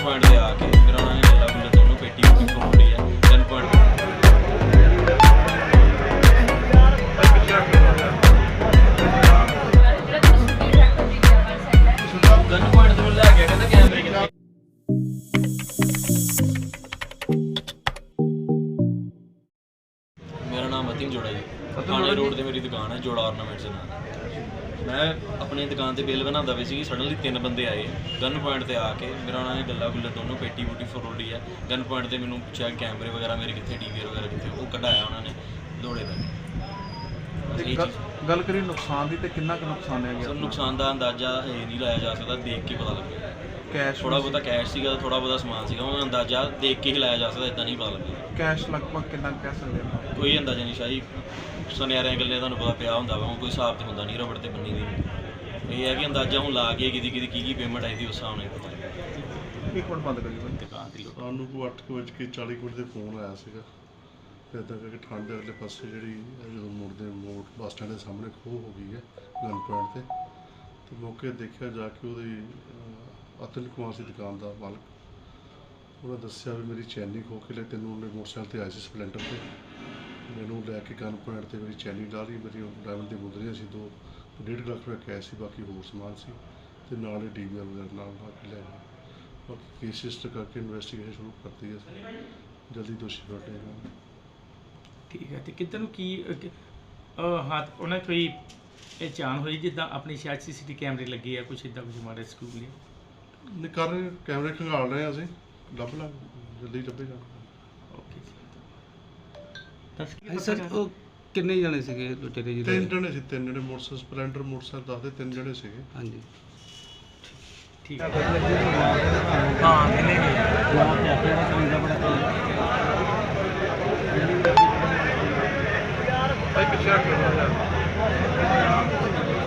Point ਤੇ ਆ ਕੇ ਫਿਰ ਉਹਨਾਂ ਨੇ ਗੱਲਾਂ ਗੁੱਲਾਂ ਦੋਨੋਂ ਪੇਟੀ ਖੋਲ ਲਈ ਹੈ ਗਨ ਪੁਆਇੰਟ ਗਨ ਪੁਆਇੰਟ ਤੋਂ ਲੈ ਗਿਆ ਕਹਿੰਦਾ ਕੈਮਰੇ ਕਿੱਥੇ। ਮੇਰਾ ਨਾਮ ਅਤਿਨ ਜੋੜਾ ਜੀ, ਥਾਣੇ ਰੋਡ ਤੇ ਮੇਰੀ ਦੁਕਾਨ ਹੈ ਜੋੜਾ ਆਰਨਾਮੈਂਟਸ ਨਾਲ। ਮੈਂ ਆਪਣੀ ਦੁਕਾਨ ਤੇ ਬਿੱਲ ਬਣਾਉਂਦਾ ਪਈ ਸੀ, ਸਡਨਲੀ 3 ਬੰਦੇ ਆਏ ਗਨ ਪੁਆਇੰਟ ਤੇ ਆ ਕੇ ਮੇਰਾ ਉਹਨਾਂ ਨੇ ਗੱਲਾਂ ਗੁੱਲਾਂ ਦੋਨੋਂ ਪੇਟੀ ਬੂਟੀ ਫਰੋਲੀ ਹੈ ਗਨ ਪੁਆਇੰਟ ਤੇ ਮੈਨੂੰ ਪੁੱਛਿਆ ਕੈਮਰੇ ਵਗੈਰਾ ਮੇਰੇ ਕਿੱਥੇ ਡੀਵੀਆਰ ਵਗੈਰਾ ਕਿੱਥੇ, ਉਹ ਕਢਾਇਆ ਉਹਨਾਂ ਨੇ ਦੌੜੇ ਪੈ। ਗੱਲ ਕਰੀ ਨੁਕਸਾਨ ਦੀ ਤੇ ਕਿੰਨਾ ਕੁ ਨੁਕਸਾਨ ਹੈ ਗਿਆ? ਨੁਕਸਾਨ ਦਾ ਅੰਦਾਜ਼ਾ ਇਹ ਨਹੀਂ ਲਾਇਆ ਜਾ ਸਕਦਾ, ਦੇਖ ਕੇ ਪਤਾ ਲੱਗੇਗਾ। ਕੈਸ਼ ਥੋੜਾ ਬਹੁਤਾ ਕੈਸ਼ ਸੀਗਾ, ਥੋੜਾ ਬਹੁਤਾ ਸਮਾਨ ਸੀਗਾ, ਉਹਦਾ ਅੰਦਾਜ਼ਾ ਦੇਖ ਕੇ ਹੀ ਲਾਇਆ ਜਾ ਸਕਦਾ, ਇਦਾਂ ਨਹੀਂ ਪਤਾ ਲੱਗੇਗਾ। ਕੈਸ਼ ਲਗਭਗ ਕਿੰਨਾ ਕਹਿ ਸਕਦੇ ਹਾਂ? ਕੋਈ ਅੰਦਾਜ਼ਾ ਨਹੀਂ ਸ਼ਾਹੀ, ਸੁਨਿਆਰਿਆਂ ਗੱਲਾਂ ਤੁਹਾਨੂੰ ਪਤਾ ਪਿਆ ਹੁੰਦਾ ਵਾ, ਕੋਈ ਹਿਸਾਬ ਤੇ ਹੁੰਦਾ ਨਹੀਂ ਰਬੜ ਤੇ ਬੰਨੀ ਦੀ। ਇਹ ਹੈ ਕਿ ਅੰਦਾਜ਼ਾ ਹੁਣ ਲਾ ਕੇ ਕਿਹਦੀ ਕੀ ਪੇਮੈਂਟ ਆਈ ਦੀ ਉਸ ਹਿਸਾਬ ਨਾਲ ਪਤਾ ਲੱਗੇਗਾ। ਇੱਕ ਮਿੰਟ ਬੰਦ ਕਰੀ ਦੁਕਾਨ ਦੀ ਸਾਨੂੰ ਕੋਈ 8:40 ਦੇ ਫੋਨ ਆਇਆ ਸੀਗਾ ਫਿਰ ਇੱਦਾਂ ਕਰਕੇ ਠੰਡ ਦੇ ਅਗਲੇ ਪਾਸੇ ਜਿਹੜੀ ਜਦੋਂ ਮੁੜਦੇ ਮੋੜ ਬੱਸ ਸਟੈਂਡ ਦੇ ਸਾਹਮਣੇ ਖੋਹ ਹੋ ਗਈ ਹੈ ਗਨ ਪੁਆਇੰਟ ਤੇ ਮੌਕੇ ਦੇਖਿਆ ਜਾ ਕੇ ਉਹਦੀ ਅਤੁਲ ਕੁਮਾਰ ਸੀ ਦੁਕਾਨ ਦਾ ਮਾਲਕ। ਉਹਨੇ ਦੱਸਿਆ ਵੀ ਮੇਰੀ ਚੈਨੀ ਖੋਹ ਕੇ ਲੈ ਤੈਨੂੰ ਉਹਨੇ ਮੋਟਰਸਾਈਕਲ ਤੇ ਆਏ ਸੀ ਸਪਲੈਂਡਰ ਤੇ, ਮੈਨੂੰ ਲੈ ਕੇ ਗਨ ਪੁਆਇੰਟ ਤੇ ਮੇਰੀ ਚੈਨੀ ਲਾ ਲਈ, ਮੇਰੀ ਡਾਇਮੰਡ ਦੀ ਮੁੰਦਰੀਆਂ ਸੀ 2.5 ਲੱਖ ਰੁਪਏ ਕੈਸ਼ ਸੀ, ਬਾਕੀ ਹੋਰ ਸਮਾਨ ਸੀ ਤੇ ਨਾਲ ਹੀ ਡੀਵੀਆਰ ਵਗੈਰਾ ਨਾਲ ਲਾ ਕੇ ਲੈ ਗਏ। ਬਾਕੀ ਕੇਸ ਰਜਿਸਟਰ ਕਰਕੇ ਇਨਵੈਸਟੀਗੇਸ਼ਨ ਸ਼ੁਰੂ ਕਰਤੀ ਹੈ, ਜਲਦੀ ਦੋਸ਼ੀ ਫੜ ਲਏ ਜਾਣਗੇ। ਠੀਕ ਹੈ। ਤੇ ਕਿੱਧਰ ਨੂੰ ਕੀ ਹੱਥ ਉਹਨਾਂ ਕੋਈ ਪਹਿਚਾਣ ਹੋਈ ਜਿੱਦਾਂ ਆਪਣੀ ਸ਼ਾਇਦ ਸੀਸੀਟੀ ਕੈਮਰੇ ਲੱਗੇ ਆ ਕੁਛ ਇੱਦਾਂ ਕੁਝ ਮਾਰੇ ਸਕੂਲ ਲਈ? ਨਹੀਂ ਕਰ ਰਹੇ ਕੈਮਰੇ ਖੰਗਾਲ ਰਹੇ ਹਾਂ ਅਸੀਂ, ਲੱਭ ਲਾਂਗੇ ਜਲਦੀ ਲੱਭੇ ਜਾਣਗੇ। ਓਕੇ ਸਰ ਉਹ ਕਿੰਨੇ ਜਣੇ ਸੀਗੇ ਲੁਟੇਰੇ ਜੀ? 3 ਜਣੇ ਸੀ, 3 ਜਣੇ ਮੋਟਰਸਾਈਕਲ ਸਪਲੈਂਡਰ ਮੋਟਰਸਾਈਕਲ ਦੱਸਦੇ 3 ਜਣੇ ਸੀਗੇ। ਹਾਂਜੀ ਠੀਕ ਹੈ। ਹਾਂ ਮਿਲੇਗੀ ਭਾਈ ਪਿੱਛੇ